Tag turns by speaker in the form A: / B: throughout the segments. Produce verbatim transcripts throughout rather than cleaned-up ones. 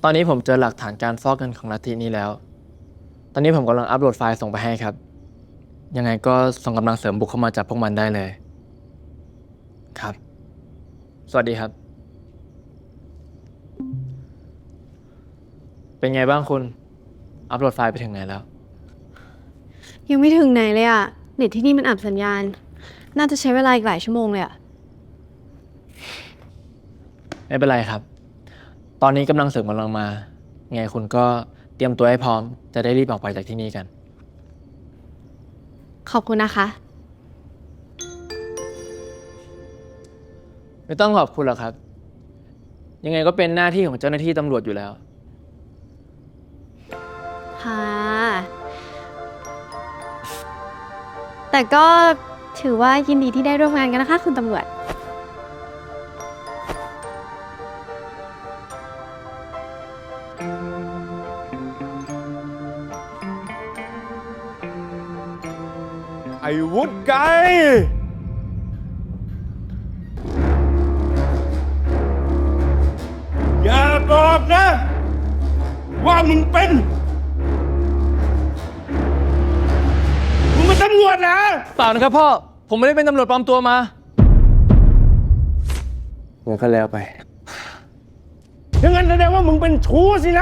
A: ตอนนี้ผมเจอหลักฐานการฟอกเงินของลัทธินี้แล้ว ตอนนี้ผมกำลังอัปโหลดไฟล์ส่งไปให้ครับ ยังไงก็ส่งกำลังเสริมบุกเข้ามาจับพวกมันได้เลย ครับ สวัสดีครับ เป็นไงบ้างคุณ อัปโหลดไฟล์ไปถึงไหนแล้ว
B: ยังไม่ถึงไหนเลยอะเน็ตที่นี่มันอับสัญญาณ น่าจะใช้เวลาอีกหลายชั่วโมงเลยอะ
A: ไม่เป็นไรครับ ตอนนี้กำลังเสริมกำลังมา ไงคุณก็เตรียมตัวให้พร้อม จะได้รีบออกไปจากที่นี่กัน
B: ขอบคุณนะคะ
A: ไม่ต้องขอบคุณหรอกครับ ยังไงก็เป็นหน้าที่ของเจ้าหน้าที่ตำรวจอยู่แล้ว
B: ค่ะ แต่ก็ถือว่ายินดีที่ได้ร่วมงานกันนะคะคุณตำรวจ
C: ไอ้วุฒิไกรอย่าบอกนะ ว่ามึงเป็น มึงเป็นตำรวจนะ
A: เปล่านะครับพ่อ ผมไม่ได้เป็นตำรวจปลอมตัวมางั้นก็แล้วไป
C: อย่างนั้นแสดงว่ามึงเป็นชู้สินะ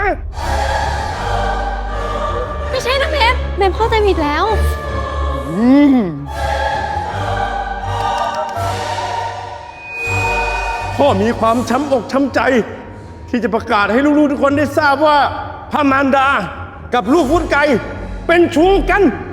B: ไม่ใช่นะเมฟเมฟเข้าใจผิดแล้ว
C: พ่อมีความช้ำอกช้ำใจ ที่จะประกาศให้ลูกๆทุกคนได้ทราบว่าพระมารดากับลูกวุฒิไกรเป็นชู้กัน